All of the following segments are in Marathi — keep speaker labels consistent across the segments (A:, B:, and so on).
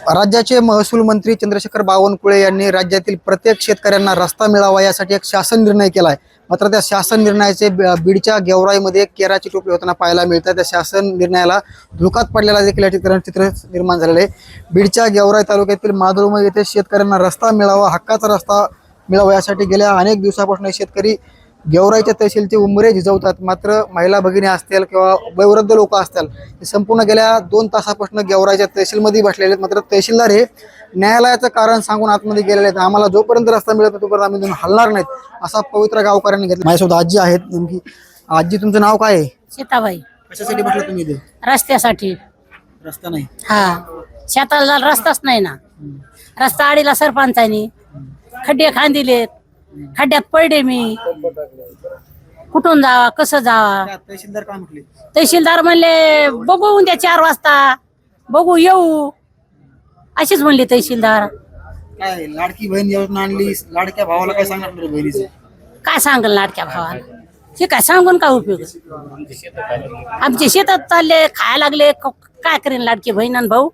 A: राज्याचे महसूल मंत्री चंद्रशेखर बावनकुळे यांनी राज्यातील प्रत्येक शेतकऱ्यांना रस्ता मिळावा यासाठी एक शासन निर्णय केला आहे। मात्र त्या शासन निर्णयाचे बीडच्या गेवराईमध्ये केराची टोपली होताना पाहायला मिळतात। त्या शासन निर्णयाला धुकात पडलेला देखील या ठिकाणी चित्र निर्माण झालेले आहे। बीडच्या गेवराई तालुक्यातील माधुरमय येथे शेतकऱ्यांना रस्ता मिळावा, हक्काचा रस्ता मिळावा यासाठी गेल्या अनेक दिवसापासून शेतकरी गेवराईच्या तहसीलचे उंबरे झिजवतात। मात्र महिला भगिनी असतील किंवा वयोवृद्ध लोक असतील ते संपूर्ण गेल्या 2 तासापासून गेवराईच्या तहसीलमध्ये बसलेले आहेत। मात्र तहसीलदार हे न्यायालयाचं कारण सांगून आतमध्ये गेलेले आहेत। आम्हाला जोपर्यंत रस्ता मिळत नाही तोपर्यंत आम्ही हलणार नाहीत असा पवित्र गावकऱ्यांनी घेतला। माझ्यासोबत आजी आहेत। नेमकी आजी तुमचं नाव काय आहे?
B: सीताबाई.
A: कशासाठी बसले तुम्ही इथे?
B: रस्त्यासाठी.
A: रस्ता नाही?
B: हा, शेताला रस्ताच नाही ना। रस्ता आडीला सरपंचानी खड्डे खांदिलेत, खड्ड्यात पडले मी, कुठून जावा कसं जावा।
A: तहसीलदार काय म्हटले?
B: तहसीलदार म्हणले बघू उद्या 4 वाजता बघू येऊ, अशीच म्हणली तहसीलदार।
A: काय लाडकी बहीण योजना आणली, लाडक्या भावाला काय सांगणार बहिणीचं?
B: काय सांगल लाडक्या भावाला? हे काय सांगून काय उपयोग? आमच्या शेतात चालले, खायला लागले, काय करेन लाडकी बहीण आणि भाऊ?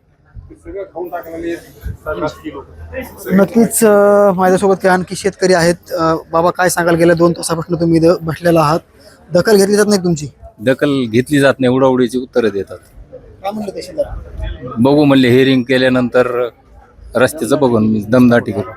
A: नक्कीच माझ्यासोबत काही आणखी शेतकरी आहेत। बाबा काय सांगाल, गेल्या 2 तासापासून तुम्ही इथं बसलेला आहात, दखल घेतली जात नाही तुमची?
C: दखल घेतली जात नाही, उडाउडीची उत्तरं देतात।
A: काय म्हणलं तहसीलदार?
C: बघू म्हणले, हेअरिंग केल्यानंतर रस्त्याचं बघून मी दमदाटी करू।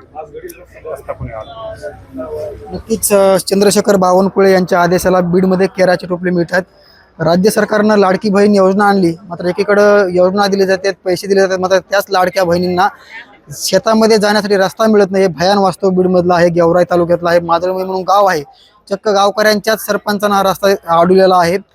A: नक्कीच चंद्रशेखर बावनकुळे यांच्या आदेशाला बीडमध्ये केराची टोपली मिळतात। राज्य सरकारनं लाडकी बहीण योजना आणली, मात्र एकीकडे योजना दिली जाते, पैसे दिले जातात, मात्र त्याच लाडक्या बहिणींना शेतामध्ये जाण्यासाठी रस्ता मिळत नाही। हे भयान वास्तव बीडमधलं आहे, गेवराई तालुक्यातला आहे, माधुरमय म्हणून गाव आहे। चक्क गावकऱ्यांच्याच सरपंचांना रस्ता अडवलेला आहे।